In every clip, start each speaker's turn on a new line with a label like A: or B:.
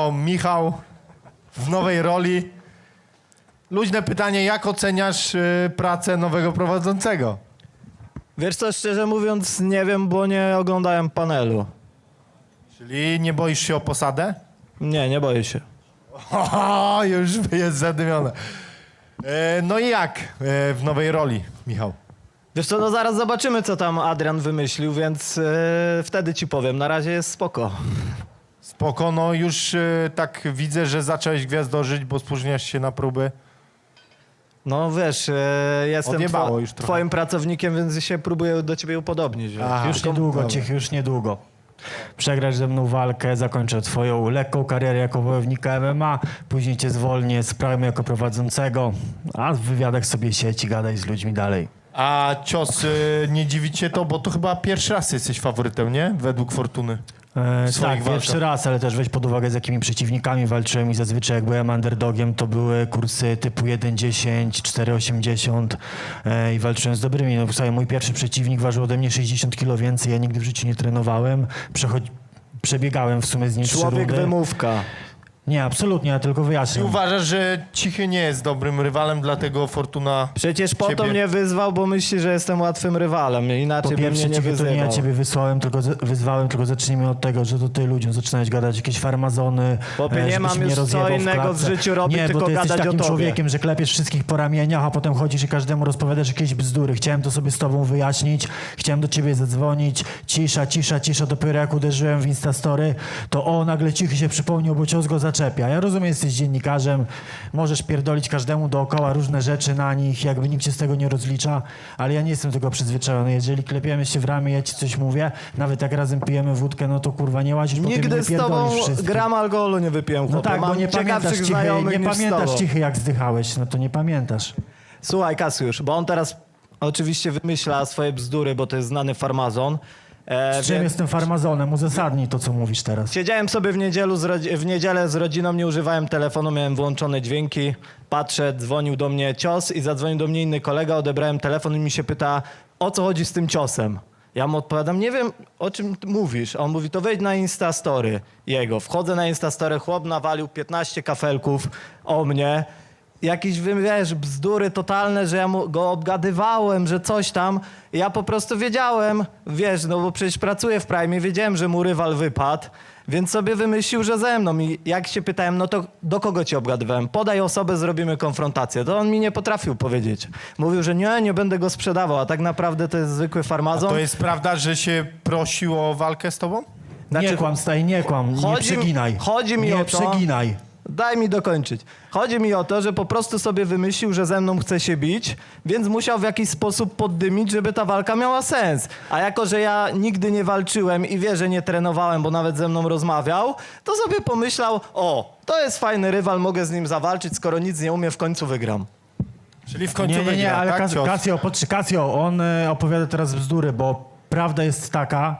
A: co, Michał w nowej roli. Luźne pytanie, jak oceniasz pracę nowego prowadzącego?
B: Wiesz co, szczerze mówiąc, nie wiem, bo nie oglądałem panelu.
A: Czyli nie boisz się o posadę?
B: Nie boję się.
A: O, już jest zadymione. No i jak w nowej roli, Michał?
B: Wiesz co, no zaraz zobaczymy, co tam Adrian wymyślił, więc wtedy ci powiem. Na razie jest spoko.
A: Spoko, no już tak widzę, że zacząłeś gwiazdorzyć, bo spóźniasz się na próby.
B: No wiesz, jestem
A: Odjebało już trochę.
B: twoim pracownikiem, więc się próbuję do ciebie upodobnić. Wiesz.
A: Aha.
C: Już niedługo, Cichy, już niedługo. Przegrasz ze mną walkę, zakończę twoją lekką karierę jako wojownika MMA, później cię zwolnię z prawy jako prowadzącego, a w wywiadach sobie siedź i gadaj z ludźmi dalej.
A: A cios, nie dziwi cię to, bo to chyba pierwszy raz jesteś faworytem, nie? Według Fortuny. swoich
C: Tak, pierwszy
A: walkach.
C: raz, ale też weź pod uwagę, z jakimi przeciwnikami walczyłem i zazwyczaj jak byłem underdogiem, to były kursy typu 1,10, 4,80 i walczyłem z dobrymi. No, słuchaj, mój pierwszy przeciwnik ważył ode mnie 60 kg więcej, ja nigdy w życiu nie trenowałem, przebiegałem w sumie z nim 3
B: Człowiek
C: rundy.
B: wymówka.
C: Nie, absolutnie, ja tylko
A: I
C: wyjaśniam.
A: uważasz, że Cichy nie jest dobrym rywalem, dlatego Fortuna...
B: Przecież po to
A: Ciebie.
B: mnie wyzwał, bo myśli, że jestem łatwym rywalem. Inaczej
C: Po
B: by mnie
C: pierwsze,
B: nie
C: Cichy, to
B: wyzywał.
C: nie ja ciebie wyzwałem, tylko zacznijmy od tego, że to ty ludziom zaczynałeś gadać jakieś farmazony.
B: Chłopie, nie
C: żebyś
B: mam
C: mnie
B: już co
C: rozjebał w
B: innego w
C: klatce.
B: życiu robić,
C: nie,
B: tylko
C: bo ty jesteś
B: gadać o
C: takim
B: tobie.
C: człowiekiem, że klepiesz wszystkich po ramieniach, a potem chodzisz i każdemu rozpowiadasz jakieś bzdury. Chciałem to sobie z tobą wyjaśnić, chciałem do ciebie zadzwonić. Cisza. Dopiero jak uderzyłem w Instastory, to nagle Cichy się przypomniał, bo cios go zaczepia. Ja rozumiem, jesteś dziennikarzem, możesz pierdolić każdemu dookoła różne rzeczy na nich, jakby nikt cię z tego nie rozlicza, ale ja nie jestem tego przyzwyczajony. Jeżeli klepiemy się w ramię, ja ci coś mówię, nawet jak razem pijemy wódkę, no to kurwa nie łazisz, po tym
B: Nigdy
C: nie
B: z tobą
C: pierdolisz wszystkich.
B: gram alkoholu nie wypiłem,
C: No
B: chłopie.
C: tak, bo
B: Mam
C: nie pamiętasz
B: ciekawszych
C: Cichy,
B: znajomych
C: nie
B: niż z
C: pamiętasz
B: tobą.
C: Cichy, jak zdychałeś, no to nie pamiętasz.
B: Słuchaj, Kasiusz, bo on teraz oczywiście wymyśla swoje bzdury, bo to jest znany farmazon.
C: Z czym
B: więc
C: jestem farmazonem? Uzasadnij to, co mówisz teraz.
B: Siedziałem sobie w niedzielę z rodziną, nie używałem telefonu, miałem włączone dźwięki. Patrzę, dzwonił do mnie cios i zadzwonił do mnie inny kolega, odebrałem telefon i mi się pyta, o co chodzi z tym ciosem. Ja mu odpowiadam, nie wiem, o czym ty mówisz. A on mówi, to wejdź na Instastory jego. Wchodzę na Instastory, chłop nawalił 15 kafelków o mnie. Jakieś, wiesz, bzdury totalne, że ja go obgadywałem, że coś tam. Ja po prostu wiedziałem, wiesz, no bo przecież pracuję w Prime, wiedziałem, że mu rywal wypadł, więc sobie wymyślił, że ze mną. I jak się pytałem, no to do kogo cię obgadywałem? Podaj osobę, zrobimy konfrontację. To on mi nie potrafił powiedzieć. Mówił, że nie będę go sprzedawał, a tak naprawdę to jest zwykły farmazon.
A: To jest prawda, że się prosił o walkę z tobą?
B: Znaczy,
C: nie kłam, staj, nie kłam, nie
B: chodzi-
C: przeginaj.
B: chodzi mi
C: nie
B: o to-
C: przeginaj.
B: Daj mi dokończyć. Chodzi mi o to, że po prostu sobie wymyślił, że ze mną chce się bić, więc musiał w jakiś sposób poddymić, żeby ta walka miała sens. A jako, że ja nigdy nie walczyłem i wie, że nie trenowałem, bo nawet ze mną rozmawiał, to sobie pomyślał, to jest fajny rywal, mogę z nim zawalczyć, skoro nic nie umie, w końcu wygram.
A: Czyli w końcu
C: Nie,
A: wygra,
C: ale
A: tak? Cios.
C: Kasio, on opowiada teraz bzdury, bo prawda jest taka,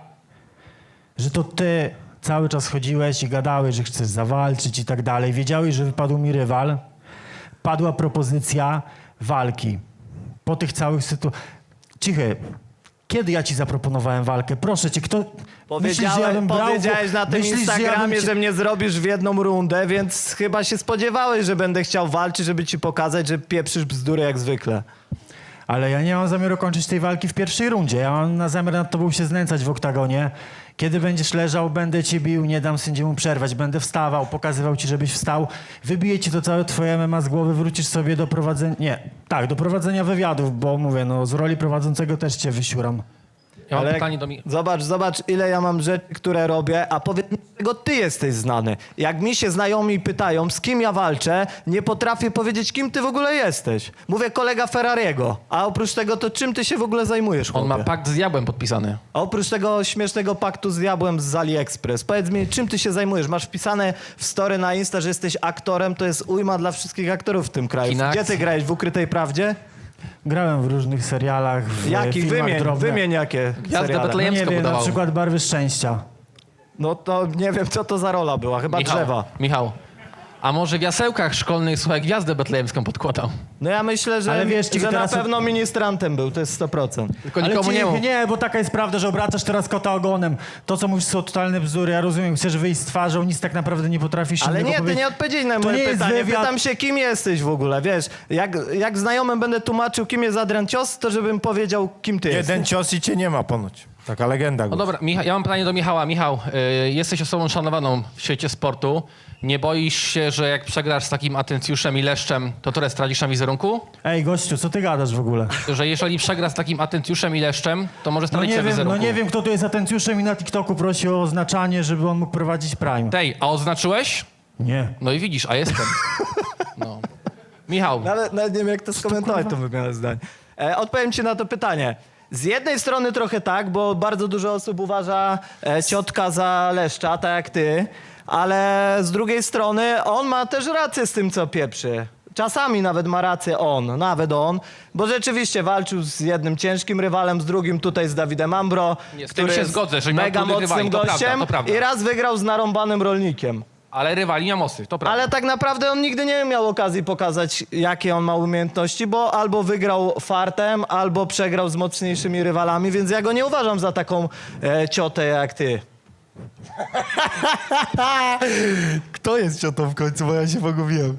C: że to ty cały czas chodziłeś i gadałeś, że chcesz zawalczyć i tak dalej. Wiedziałeś, że wypadł mi rywal. Padła propozycja walki. Po tych całych sytuacjach... Cichy, kiedy ja ci zaproponowałem walkę? Proszę cię, kto... Myślisz, że ja bym brał...
B: Powiedziałeś na tym
C: Myślisz,
B: Instagramie,
C: cię-
B: że mnie zrobisz w jedną rundę, więc chyba się spodziewałeś, że będę chciał walczyć, żeby ci pokazać, że pieprzysz bzdury jak zwykle.
C: Ale ja nie mam zamiaru kończyć tej walki w pierwszej rundzie. Ja mam na zamiar nad tobą się znęcać w oktagonie. Kiedy będziesz leżał, będę cię bił, nie dam sędziemu przerwać. Będę wstawał, pokazywał ci, żebyś wstał. Wybiję ci to całe twoje MMA z głowy, wrócisz sobie do prowadzenia... Nie, tak, do prowadzenia wywiadów, bo mówię, no z roli prowadzącego też cię wysiuram.
D: Ja mam
B: Ale
D: pytanie do mnie.
B: Zobacz, ile ja mam rzeczy, które robię, a powiedz mi, z czego ty jesteś znany. Jak mi się znajomi pytają, z kim ja walczę, nie potrafię powiedzieć, kim ty w ogóle jesteś. Mówię kolega Ferrariego, a oprócz tego, to czym ty się w ogóle zajmujesz,
D: On
B: chłopie?
D: ma pakt z diabłem podpisany.
B: A oprócz tego śmiesznego paktu z diabłem z AliExpress, powiedz mi, czym ty się zajmujesz? Masz wpisane w story na Insta, że jesteś aktorem, to jest ujma dla wszystkich aktorów w tym kraju.
D: Kina
B: Gdzie
D: akcji.
B: ty grałeś, w Ukrytej Prawdzie?
C: Grałem w różnych serialach, w
B: Jakich?
C: filmach drobnych.
B: Wymień jakie
D: Gwiazda
B: seriale.
C: No
D: Betlejemska
C: nie wiem, na
D: budował.
C: przykład Barwy Szczęścia.
B: No to nie wiem, co to za rola była, chyba drzewa.
D: Michał, A może w jasełkach szkolnych, słuchaj, gwiazdę betlejemską podkładał?
B: No ja myślę, że,
C: Ale wiesz,
B: że na
C: teraz-
B: pewno ministrantem był, to jest 100%.
D: Tylko
C: Ale
D: nikomu nie
C: cichy,
D: mów.
C: nie, bo taka jest prawda, że obracasz teraz kota ogonem. To, co mówisz, są totalne bzdury. Ja rozumiem, chcesz wyjść z twarzą, nic tak naprawdę nie potrafisz
B: Ale
C: innego
B: nie, ty
C: powiedzieć.
B: nie odpowiedziałeś na
C: To
B: moje
C: nie jest
B: pytanie.
C: wywiad.
B: Pytam się, kim jesteś w ogóle, wiesz? Jak znajomym będę tłumaczył, kim jest Adrian Cios, to żebym powiedział, kim ty jesteś.
A: Jeden cios i cię nie ma ponoć. Taka legenda.
D: No dobra, ja mam pytanie do Michała. Michał, jesteś osobą szanowaną w świecie sportu. Nie boisz się, że jak przegrasz z takim Atencjuszem i Leszczem, to tyle stracisz na wizerunku?
C: Ej, gościu, co ty gadasz w ogóle?
D: Że jeżeli przegra z takim Atencjuszem i Leszczem, to może
C: No
D: stracić
C: nie
D: na
C: wiem,
D: wizerunku.
C: no nie wiem, kto tu jest atencjuszem i na TikToku prosi o oznaczanie, żeby on mógł prowadzić Prime.
D: Tej, a oznaczyłeś?
C: Nie.
D: No i widzisz, a jestem. No. Michał,
B: Nawet nie wiem, jak to skomentować, to wygląda zdanie. Odpowiem ci na to pytanie. Z jednej strony trochę tak, bo bardzo dużo osób uważa ciotka za Leszcza, tak jak ty, ale z drugiej strony on ma też rację z tym, co pieprzy. Czasami nawet ma rację nawet on, bo rzeczywiście walczył z jednym ciężkim rywalem, z drugim tutaj z Dawidem Ambro,
D: Nie, z tym
B: który
D: się
B: jest
D: zgodzę, że miał
B: mega
D: trudnych
B: mocnym
D: rywali, to prawda,
B: gościem
D: to prawda.
B: i raz wygrał z narąbanym rolnikiem.
D: ale rywali nie ma mocnych, to prawda.
B: Ale tak naprawdę on nigdy nie miał okazji pokazać, jakie on ma umiejętności, bo albo wygrał fartem, albo przegrał z mocniejszymi rywalami, więc ja go nie uważam za taką ciotę jak ty.
A: Kto jest ciotą w końcu, bo ja się pogubiłem.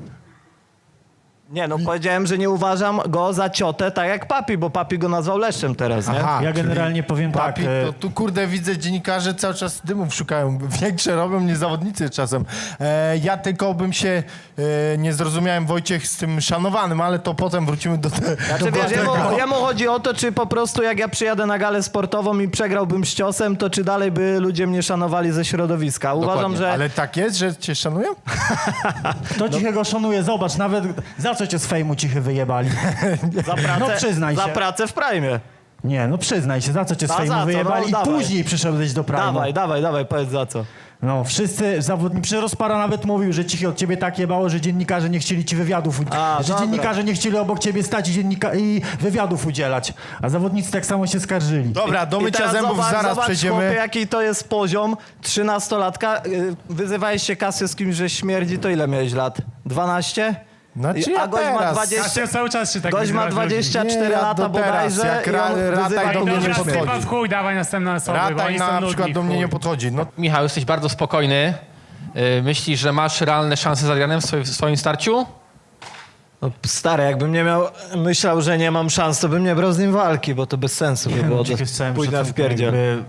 B: Nie no, powiedziałem, że nie uważam go za ciotę tak jak Papi, bo Papi go nazwał Leszczem teraz, nie?
A: Aha,
C: Ja
A: czyli
C: generalnie powiem tak.
A: Papi, to tu kurde widzę, dziennikarze cały czas dymów szukają. Większe robią niż zawodnicy czasem. Ja tylko bym się nie zrozumiałem, Wojciech, z tym szanowanym, ale to potem wrócimy do tego.
B: Znaczy wiesz, jemu chodzi o to, czy po prostu jak ja przyjadę na galę sportową i przegrałbym z ciosem, to czy dalej by ludzie mnie szanowali ze środowiska. Uważam,
D: Dokładnie,
B: że...
A: Ale tak jest, że cię szanują?
C: Kto cichego szanuje? Zobacz, nawet za co cię z fejmu cichy wyjebali?
B: Za pracę,
C: No przyznaj
B: za
C: się.
B: pracę w Prime.
C: Nie, no przyznaj się, za co cię z
B: A za
C: fejmu
B: co?
C: wyjebali
B: No,
C: i
B: dawaj.
C: później przyszedłeś do Prime'u.
B: Dawaj, powiedz za co.
C: No, wszyscy zawodnicy, przecież Rozpara nawet mówił, że cichy od ciebie tak jebało, że dziennikarze nie chcieli ci wywiadów, że
B: dobra.
C: dziennikarze nie chcieli obok ciebie stać i wywiadów udzielać, a zawodnicy tak samo się skarżyli.
A: Dobra, do
B: I
A: mycia
B: teraz
A: zębów zaraz
B: zobacz,
A: przejdziemy.
B: Chłopie, jaki to jest poziom 13-latka. Wyzywałeś się Kasję z kimś, że śmierdzi, to ile miałeś lat? 12?
A: Znaczy
B: A
A: ja
B: gość ma
A: teraz.
B: 20...
E: Kasia cały czas się tak
B: Gość ma
E: wyzywa, że-
B: 24
A: Nie, ja
B: lata
A: do teraz,
B: bodajże
A: jak
B: i on
A: Rataj
B: wyzywa
A: do mnie
B: kogoś
A: nie
E: Dobra,
A: podchodzi.
E: sypa w chuj, dawaj następne osoby, bo
A: Rataj
E: oni są
A: na
E: nudni
A: przykład do
E: w
A: mnie
E: chuj.
A: nie podchodzi. No,
D: Michał, jesteś bardzo spokojny. Myślisz, że masz realne szanse z Adrianem w swoim starciu?
B: No, stary, jakbym nie miał, myślał, że nie mam szans, to bym nie brał z nim walki, bo to bez sensu by było.
C: Cichy z całym
B: Pójdę w
C: szacunkiem,
B: pierdziel.
C: jakby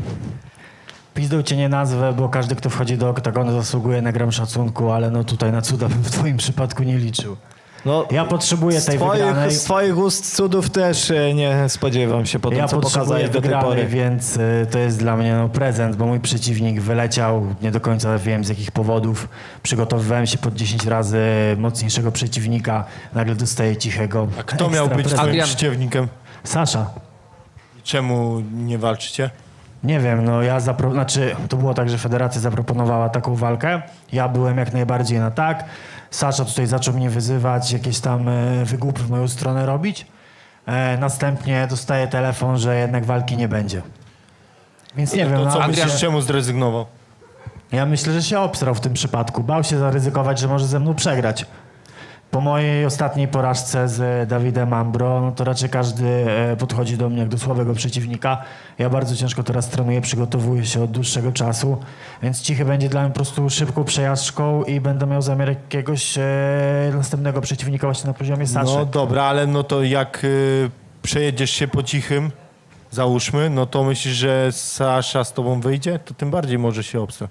C: Pizdą cię nie nazwę, bo każdy, kto wchodzi do oktagonu, zasługuje na gram szacunku, ale no tutaj na cuda bym w twoim przypadku nie liczył.
B: No,
C: Ja potrzebuję tej wygranej.
B: z twoich ust cudów też nie spodziewam się po tym,
C: Ja
B: co
C: potrzebuję
B: pokazałeś do tej
C: wygranej,
B: pory.
C: więc to jest dla mnie prezent, bo mój przeciwnik wyleciał, nie do końca wiem z jakich powodów. Przygotowywałem się pod 10 razy mocniejszego przeciwnika, nagle dostaję cichego.
A: a kto miał
C: ekstra
A: być
C: prezent.
A: twoim
D: Adrian.
A: przeciwnikiem?
C: Sasza.
A: Czemu nie walczycie?
C: Nie wiem, no to było tak, że federacja zaproponowała taką walkę. Ja byłem jak najbardziej na tak. Sasza tutaj zaczął mnie wyzywać, jakieś tam wygłupy w moją stronę robić. Następnie dostaję telefon, że jednak walki nie będzie. Więc nie wiem,
A: To
C: no,
A: co
D: Adrian-
A: myślisz, czemu zrezygnował?
C: ja myślę, że się obstrał w tym przypadku. Bał się zaryzykować, że może ze mną przegrać. Po mojej ostatniej porażce z Dawidem Ambro, no to raczej każdy podchodzi do mnie jak do słabego przeciwnika. Ja bardzo ciężko teraz trenuję, przygotowuję się od dłuższego czasu, więc Cichy będzie dla mnie po prostu szybką przejażdżką i będę miał zamiar jakiegoś następnego przeciwnika właśnie na poziomie Saszy.
A: No dobra, ale no to jak przejedziesz się po cichym, załóżmy, no to myślisz, że Sasza z tobą wyjdzie? To tym bardziej może się obstrać.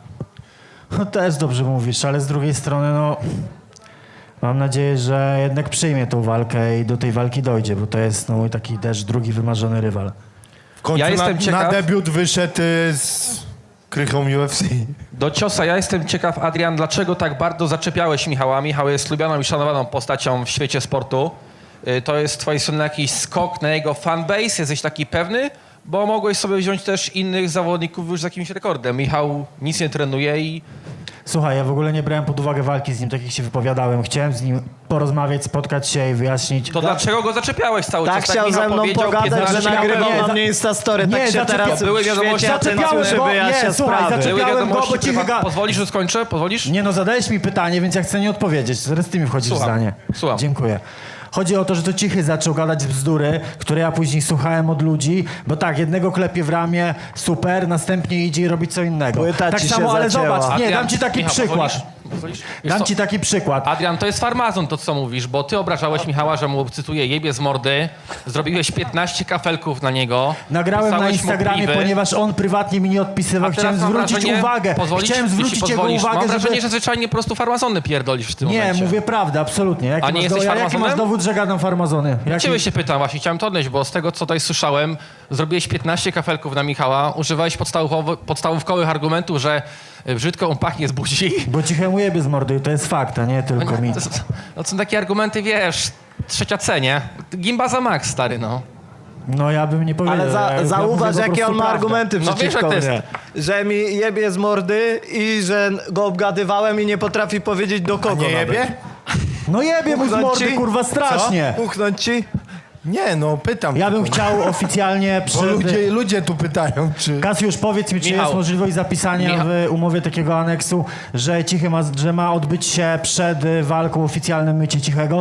C: No też dobrze mówisz, ale z drugiej strony no mam nadzieję, że jednak przyjmie tą walkę i do tej walki dojdzie, bo to jest no, mój taki też drugi wymarzony rywal.
A: W końcu
D: Ja jestem
A: na
D: ciekaw-
A: debiut wyszedł z krychą UFC.
D: Do ciosa ja jestem ciekaw, Adrian, dlaczego tak bardzo zaczepiałeś Michała? Michał jest lubianą i szanowaną postacią w świecie sportu. To jest z twojej strony jakiś skok na jego fanbase? Jesteś taki pewny? Bo mogłeś sobie wziąć też innych zawodników już z jakimś rekordem. Michał nic nie trenuje i
C: Słuchaj, ja w ogóle nie brałem pod uwagę walki z nim, tak jak się wypowiadałem. Chciałem z nim porozmawiać, spotkać się i wyjaśnić.
D: To dlaczego go zaczepiałeś cały
B: Tak
D: czas?
B: chciał
D: Michał
B: ze mną
D: powiedział,
B: pogadać, że
D: 15
B: nagrywał
C: nie,
B: na
C: za-
B: mnie Instastory.
C: nie,
B: Tak się teraz
D: były
B: w
D: wiadomości,
B: świecie atencji
C: zaczepiałeś go,
B: wyjaśnia
C: nie, słuchaj,
B: sprawy.
C: zaczepiałeś-
D: Były
C: Czepiałem go,
D: wiadomości,
C: bo
D: które
C: cicho
D: Pozwolisz, że skończę? Pozwolisz?
C: Nie no, zadałeś mi pytanie, więc ja chcę nie odpowiedzieć. Zaraz ty mi wchodzisz
D: Słucham,
C: w zdanie.
D: słucham.
C: Dziękuję. Chodzi o to, że to Cichy zaczął gadać bzdury, które ja później słuchałem od ludzi, bo tak, jednego klepie w ramię, super, następnie idzie i robi co innego.
B: Płyta
C: tak
B: ci się
C: samo, ale
B: zacięła.
C: zobacz, nie,
D: Adrian,
C: dam ci taki
D: Michał,
C: przykład.
D: Pozwolisz? Wiesz
C: Dam
D: co?
C: ci taki przykład.
D: Adrian, to jest farmazon to, co mówisz, bo ty obrażałeś Michała, że mu, cytuję, jebie z mordy, zrobiłeś 15 kafelków na niego.
C: Nagrałem na
D: pisałeś mu
C: Instagramie,
D: pliwy.
C: ponieważ on prywatnie mi nie odpisywał.
D: A teraz
C: Chciałem
D: mam
C: zwrócić
D: wrażenie-
C: uwagę.
D: Pozwolisz?
C: Chciałem
D: Jeśli
C: zwrócić jego
D: pozwolisz.
C: uwagę,
D: Mam wrażenie,
C: żeby...
D: że zwyczajnie po prostu farmazony pierdolisz w tym
C: Nie,
D: momencie.
C: mówię prawdę, absolutnie. Jaki
D: A nie
C: masz
D: jesteś
C: jaki
D: farmazonem?
C: masz dowód, że gadam farmazony? Jaki...
D: Ciebie się pytam, właśnie chciałem to odnieść, bo z tego, co tutaj słyszałem, zrobiłeś 15 kafelków na Michała, używałeś podstawówkowych argumentów, że brzydko on pachnie z buzi.
C: Bo Cichemu jebie z mordy i to jest fakt, a nie tylko mi.
D: To są takie argumenty, wiesz, trzecia C, nie? Gimba za max, stary, no.
C: No ja bym nie powiedział.
B: Ale
C: ja
B: zauważ,
C: mówię po
B: jakie on
C: prostu
B: ma
C: prawdę.
B: argumenty
D: No wiesz,
B: przeciwko
D: jak to
B: mnie. Że mi jebie z mordy i że go obgadywałem i nie potrafi powiedzieć do kogo
A: Nie
B: nawet.
A: jebie?
C: No jebie mu z
B: Uchnąć
C: mordy,
B: ci?
C: kurwa, strasznie.
B: Uchnąć ci?
A: Nie, no pytam.
C: Ja bym
A: tylko.
C: chciał oficjalnie
A: Bo ludzie tu pytają, czy...
C: Kasiusz, powiedz mi, czy
D: Michał.
C: jest możliwość zapisania
D: Michał.
C: w umowie takiego aneksu, że Cichy że ma odbyć się przed walką oficjalnym mycie Cichego?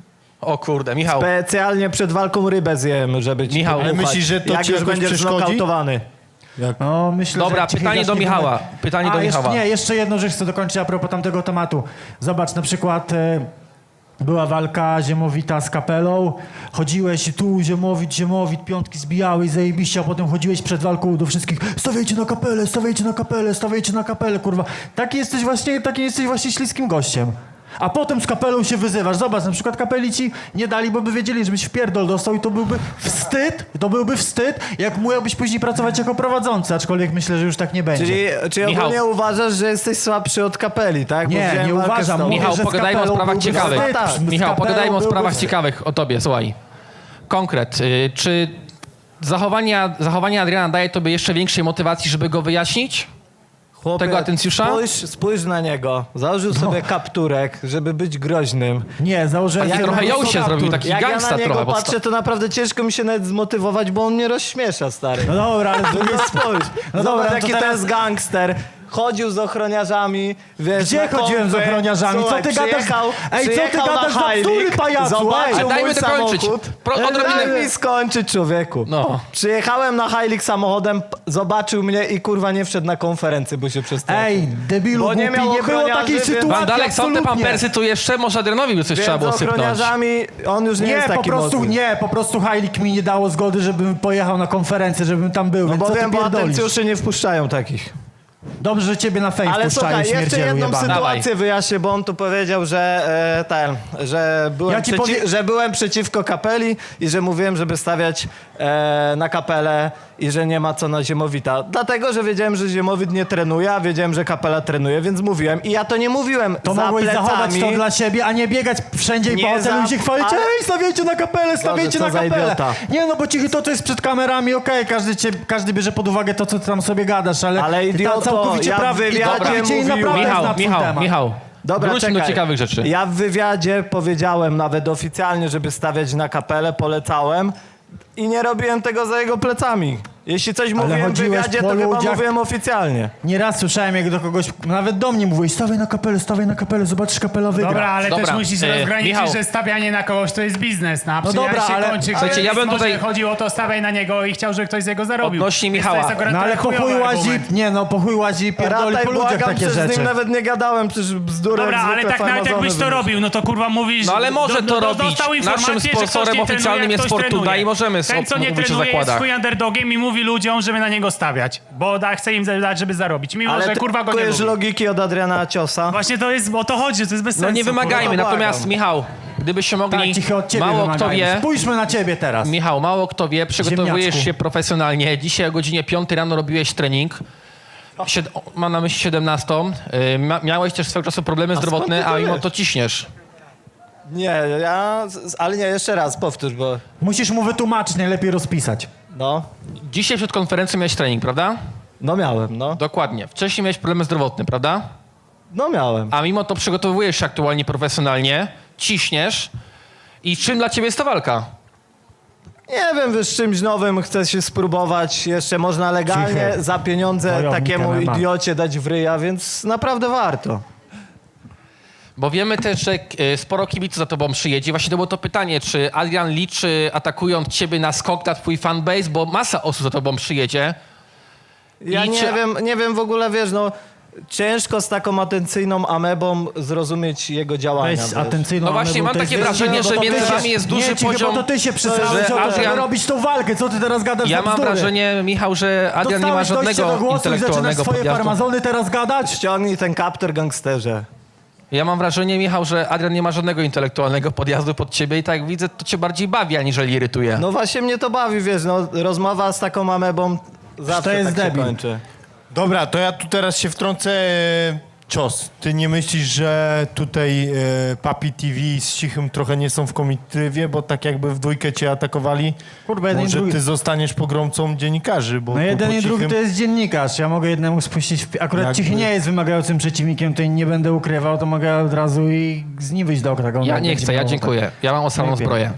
D: O kurde, Michał.
B: Specjalnie przed walką rybę zjem, żeby ci
D: Michał,
B: podmuchać,
A: ale myślisz, że to
B: jak
A: ci
B: już
A: jakoś
B: będziesz
A: przeszkodzi?
B: znokautowany.
C: No, myślę,
D: Dobra,
C: że Cichy
D: pytanie do
C: zacznie
D: Michała.
C: wymy-
D: Pytanie do Michała.
C: Jeszcze jedną rzecz chcę dokończyć a propos tamtego tematu. Zobacz, na przykład była walka Ziemowita z Kapelą, chodziłeś tu, Ziemowit, piątki zbijałeś, zajebiście, a potem chodziłeś przed walką do wszystkich, stawiajcie na kapelę, stawiajcie na kapelę, stawiajcie na kapelę, kurwa. Taki jesteś właśnie śliskim gościem. A potem z Kapelą się wyzywasz. Zobacz, na przykład Kapeli ci nie dali, bo by wiedzieli, żebyś w pierdol dostał i to byłby wstyd, jak musiałbyś później pracować jako prowadzący, aczkolwiek myślę, że już tak nie będzie.
B: Czyli
D: Michał.
B: ogólnie uważasz, że jesteś słabszy od kapeli, tak? Bo
C: Nie,
B: wziąłem
C: nie
B: walkę z
C: uważam.
B: tobą.
C: Mówię,
D: Michał,
C: że z
D: pogadajmy o
C: Kapelą
D: sprawach
C: byłby
D: ciekawych.
C: wstyd.
B: Tak.
C: Z
D: Michał,
C: Kapelą
D: pogadajmy o
C: byłby
D: sprawach
C: wstyd.
D: ciekawych o tobie, słuchaj. Konkret. Czy zachowanie Adriana daje tobie jeszcze większej motywacji, żeby go wyjaśnić?
B: Chłopie,
D: Tego atencjusza?
B: Spójrz na niego. Założył sobie kapturek, żeby być groźnym.
C: Nie, założyłem
D: Taki
C: sobie
D: trochę
C: po prostu
D: ją się
C: kaptur.
D: zrobił, taki
B: Jak ja
D: gangsta
B: na niego
D: trochę.
B: patrzę, to naprawdę ciężko mi się nawet zmotywować, bo on mnie rozśmiesza, stary.
C: No dobra, ale z drugiej
B: No spójrz.
C: No
B: Zobacz,
C: dobra, to
B: jaki to
C: teraz-
B: jest gangster. Chodził z ochroniarzami, wiesz,
C: Gdzie
B: na
C: chodziłem z
B: konfy.
C: ochroniarzami?
B: Słuchaj,
C: Co ty gadasz? Ej, co ty
B: przyjechał
C: gadasz
B: na
C: za bzdury,
B: Heilig,
C: pajacu?
B: zobaczył
C: Ej,
D: A dajmy
B: mój
D: dokończyć.
B: samochód.
D: Odrobinę-
B: Daj mi skończyć, człowieku.
D: No.
B: Przyjechałem na Heilig samochodem, zobaczył mnie i kurwa nie wszedł na konferencję, bo się przestał.
C: Ej, debilu,
B: Bo nie
C: głupi,
B: miał
C: nie było
B: ochroniarzy,
C: takiej
B: więc-
C: sytuacji,
D: Wandalek, są te
C: absolutnie.
D: pampersy tu jeszcze? Może Adrianowi by coś trzeba było
B: z
D: sypnąć.
B: ochroniarzami on już nie, jest taki mocny.
C: Po prostu Heilig mi nie dało zgody, żebym pojechał na konferencję, żebym tam był,
B: No
C: więc
B: bo
C: co ty
B: wiem, bo
C: pierdolisz?
B: atencjuszy nie wpuszczają takich.
C: Dobrze, że ciebie na fejs
B: Ale
C: puszczają,
B: słuchaj, jeszcze
C: śmierdzielu
B: jedną
C: jebany.
B: sytuację wyjaśnię, bo on tu powiedział, że
C: Ja ci powiem-
B: że byłem przeciwko kapeli i że mówiłem, żeby stawiać na kapelę i że nie ma co na Ziemowita. Dlatego, że wiedziałem, że Ziemowit nie trenuje, a wiedziałem, że kapela trenuje, więc mówiłem. I ja to nie mówiłem
C: To
B: za
C: mogłeś
B: plecami.
C: zachować to dla siebie, a nie biegać wszędzie i
B: Nie
C: po hotelu i się chwalić,
B: ale-
C: ej, stawiajcie na kapelę, stawiajcie
B: co
C: na
B: za
C: kapelę.
B: idiota.
C: Nie no, bo Cichy to jest przed kamerami, okej, każdy bierze pod uwagę to, co ty tam sobie gadasz, ale...
B: Ale
C: ty
B: idioto,
C: całkowicie
B: ja w
C: praw-
B: wywiadzie
C: całkowicie inna
B: mówiłem-
C: prawda jest na ten temat.
D: Michał,
B: Dobra,
D: wróćmy do
B: czekaj.
D: ciekawych rzeczy.
B: Ja w wywiadzie powiedziałem nawet oficjalnie, żeby stawiać na kapelę, polecałem i nie robiłem tego za jego plecami. Jeśli coś mówiłem w
C: chodziłeś
B: wywiadzie,
C: po
B: to chyba
C: ludziach-
B: mówiłem oficjalnie.
C: Nieraz słyszałem, jak do kogoś, nawet do mnie mówiłeś, stawiaj na kapelę, zobaczysz, kapela wygra.
E: Dobra, ale
D: Dobra,
E: też musisz rozgraniczyć,
D: Michał.
E: że stawianie na kogoś to jest biznes. No, a
C: No dobra,
E: się
C: ale-
E: kończy,
D: Słuchajcie,
E: ktoś
D: ja bym
E: może
D: tutaj-
E: chodziło o to, stawiaj na niego i chciał, żeby ktoś z jego zarobił.
D: Odnośnie
E: Więc
D: Michała.
E: To jest akurat
C: No ale
E: trochę
C: po chuj
E: chujowy
C: łazi,
E: argument.
C: nie no, po chuj łazi i pierdoli
B: Rataj,
C: po ludziach
B: błagam,
C: takie
B: przecież z
C: rzeczy.
B: nim nawet nie gadałem, przecież bzdurę
E: Dobra, ale tak nawet jakbyś to robił, no to kurwa mówisz...
D: No ale może to robić.
E: Dostał informację,
D: Naszym
E: że ktoś
D: sponsorem
E: nie trenuje,
D: oficjalnym
E: jak
D: jest
E: ktoś
D: Fortuna
E: trenuje.
D: i możemy
E: Ten, co nie
D: mówić o
E: trenuje, jest
D: zakładach.
E: chuj underdogiem i mówi ludziom, żeby na niego stawiać. Bo chce im dać, żeby zarobić. Mimo,
B: Ale
E: że
B: ty
E: kurwa go nie
B: kupujesz
E: lubi.
B: logiki od Adriana Ciosa.
E: Właśnie to jest, o to chodzi, to jest bez sensu.
D: No nie wymagajmy,
B: kurwa,
D: natomiast
B: błagam.
D: Michał, gdybyście mogli,
C: Tak, Cichy, od ciebie
D: mało kto
C: wymagają.
D: wie,
C: Spójrzmy na ciebie teraz.
D: Michał, mało kto wie, przygotowujesz
C: Ziemniaczku.
D: się profesjonalnie. Dzisiaj o godzinie 5 rano robiłeś trening. Mam na myśli 17. Miałeś też swego czasu problemy zdrowotne,
B: skąd ty to
D: a mimo
B: wiesz?
D: to ciśniesz.
B: Nie, ale nie, jeszcze raz, powtórz, bo
C: Musisz mu wytłumaczyć, najlepiej rozpisać.
B: no,
D: Dzisiaj przed konferencją miałeś trening, prawda?
B: no miałem, no.
D: Dokładnie. Wcześniej miałeś problemy zdrowotne, prawda?
B: No miałem.
D: A mimo to przygotowujesz się aktualnie profesjonalnie, ciśniesz. I czym dla ciebie jest ta walka?
B: Nie wiem, wiesz, czymś nowym chcę się spróbować. Jeszcze można legalnie
C: Cichy.
B: za pieniądze
C: Wojownik
B: takiemu
C: MMA.
B: idiocie dać w ryja, więc naprawdę warto.
D: Bo wiemy też, że sporo kibiców za tobą przyjedzie. Właśnie to było to pytanie, czy Adrian liczy, atakując ciebie na skok na twój fanbase, bo masa osób za tobą przyjedzie.
B: Ja
D: I
B: nie wiem w ogóle, wiesz, no ciężko z taką atencyjną amebą zrozumieć jego działania.
C: Weź
B: wiesz.
C: atencyjną
D: No właśnie,
C: amebą,
D: mam
C: to
D: takie
C: jest
D: wrażenie,
C: wyżej,
D: że
C: bo to
D: między
C: ty się-
D: wami jest duży
C: nie, Cichy,
D: poziom,
C: bo to ty się przestawiłeś
D: że
C: o to, żeby
D: Adrian-
C: robić tą walkę. Co ty teraz gadasz
D: Ja
C: za
D: mam
C: bzdury?
D: wrażenie, Michał, że Adrian nie ma
C: Dostałeś dojście
D: żadnego
C: do głosu i zaczynasz
D: intelektualnego
C: swoje
D: podjazdu.
C: farmazony teraz gadać?
B: Ściągnij ten kaptur, gangsterze.
D: Ja mam wrażenie, Michał, że Adrian nie ma żadnego intelektualnego podjazdu pod ciebie i tak jak widzę, to cię bardziej bawi, aniżeli irytuje.
B: No właśnie mnie to bawi, wiesz, no rozmowa z taką amebą zawsze
C: to jest
B: tak się
C: debil.
B: kończy.
A: Dobra, to ja tu teraz się wtrącę. Cios, ty nie myślisz, że tutaj Papi TV z Cichym trochę nie są w komitywie, bo tak jakby w dwójkę cię atakowali?
C: Kurwa, jeden i
A: Może
C: drugi.
A: ty zostaniesz pogromcą dziennikarzy, bo
C: No
A: tu
C: jeden
A: po
C: i drugi
A: Cichym-
C: to jest dziennikarz. Ja mogę jednemu spuścić... Akurat
A: Jakby-
C: Cichy nie jest wymagającym przeciwnikiem, to nie będę ukrywał, to mogę od razu i z nim wyjść do oktagonu.
D: Ja
C: jak
D: nie
C: będzie
D: chcę, ja
C: miał
D: dziękuję. Ja mam ostrą
C: Lepiej.
D: zbroję.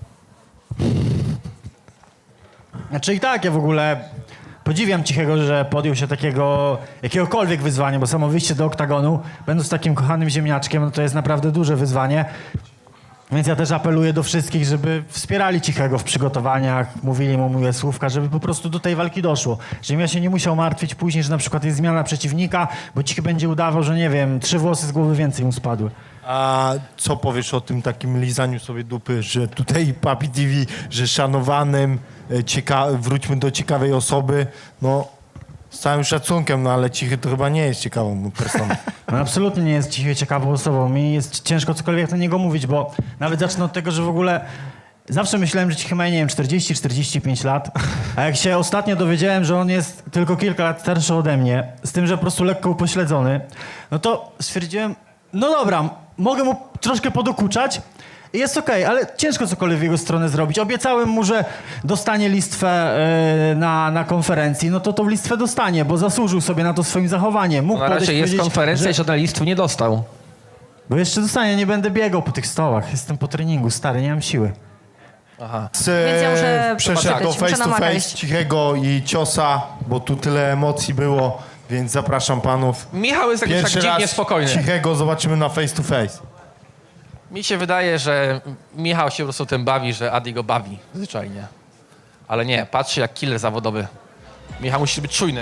C: Znaczy i tak, ja w ogóle podziwiam Cichego, że podjął się takiego, jakiegokolwiek wyzwania, bo samo wyjście do oktagonu, będąc takim kochanym ziemniaczkiem, no to jest naprawdę duże wyzwanie. Więc ja też apeluję do wszystkich, żeby wspierali Cichego w przygotowaniach, mówili mu miłe słówka, żeby po prostu do tej walki doszło. Żebym ja się nie musiał martwić później, że na przykład jest zmiana przeciwnika, bo Cichy będzie udawał, że nie wiem, 3 włosy z głowy więcej mu spadły.
A: A co powiesz o tym takim lizaniu sobie dupy, że tutaj Papi TV, że szanowanym, wróćmy do ciekawej osoby, no z całym szacunkiem, no ale Cichy to chyba nie jest ciekawą personą.
C: On absolutnie nie jest Cichy ciekawą osobą. Mi jest ciężko cokolwiek na niego mówić, bo nawet zacznę od tego, że w ogóle zawsze myślałem, że Cichy ma, nie wiem, 40-45 lat, a jak się ostatnio dowiedziałem, że on jest tylko kilka lat starszy ode mnie, z tym, że po prostu lekko upośledzony, no to stwierdziłem, no dobra, mogę mu troszkę podokuczać i jest okej, ale ciężko cokolwiek w jego stronę zrobić. Obiecałem mu, że dostanie listwę na konferencji, no to tą listwę dostanie, bo zasłużył sobie na to swoim zachowaniem. Mógł
D: Na razie
C: podejść i
D: jest
C: powiedzieć,
D: konferencja i
C: że...
D: żaden listów nie dostał.
C: Bo jeszcze dostanie, nie będę biegał po tych stołach. Jestem po treningu, stary, nie mam siły.
D: Aha.
F: Więc ja muszę
A: Przeszedł do
F: poczekać,
A: face
F: muszę
A: to
F: na Maga
A: face
F: iść.
A: Cichego i Ciosa, bo tu tyle emocji było, więc zapraszam panów.
D: Michał jest jakiś tak
A: Pierwszy
D: dziwnie
A: raz
D: spokojny.
A: Cichego zobaczymy na face to face.
D: Mi się wydaje, że Michał się po prostu tym bawi, że Adi go bawi zwyczajnie. Ale nie, patrzy jak killer zawodowy. Michał musi być czujny.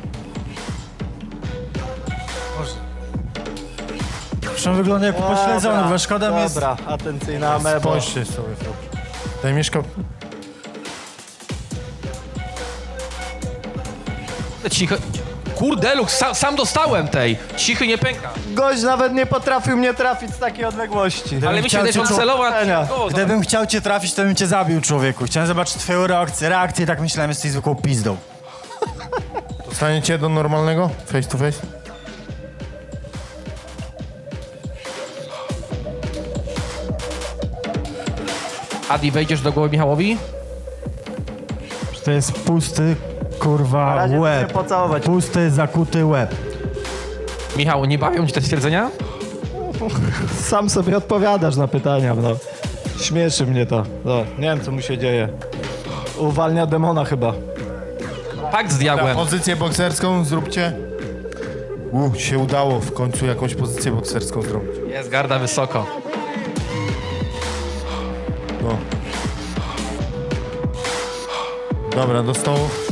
C: Zresztą wygląda jak upośledzony, bo szkoda mi jest...
B: Dobra, atencyjna ameba.
A: Spójrzcie sobie. Tutaj mieszka...
D: Cichy... Kurde, Lux, sam dostałem tej. Cichy nie pęka.
B: Gość nawet nie potrafił mnie trafić z takiej odległości.
D: Ale mi się wydaje, że on celował na Cichego.
C: Gdybym chciał cię trafić, to bym cię zabił, człowieku. Chciałem zobaczyć twoją reakcję i tak myślałem, jesteś zwykłą pizdą.
A: Dostaniecie do normalnego face to face?
D: Adi, wejdziesz do głowy Michałowi?
C: To jest pusty, kurwa,
B: razie
C: łeb.
B: chcę pocałować.
C: Pusty, zakuty łeb.
D: Michał, nie bawią ci te stwierdzenia?
B: Sam sobie odpowiadasz na pytania, no. Śmieszy mnie to. No, nie wiem, co mu się dzieje. Uwalnia demona chyba.
D: Pakt z diabłem.
A: Pozycję bokserską zróbcie. Się udało w końcu jakąś pozycję bokserską zrobić.
D: Jest garda wysoko.
A: No. Dobra, do stołu.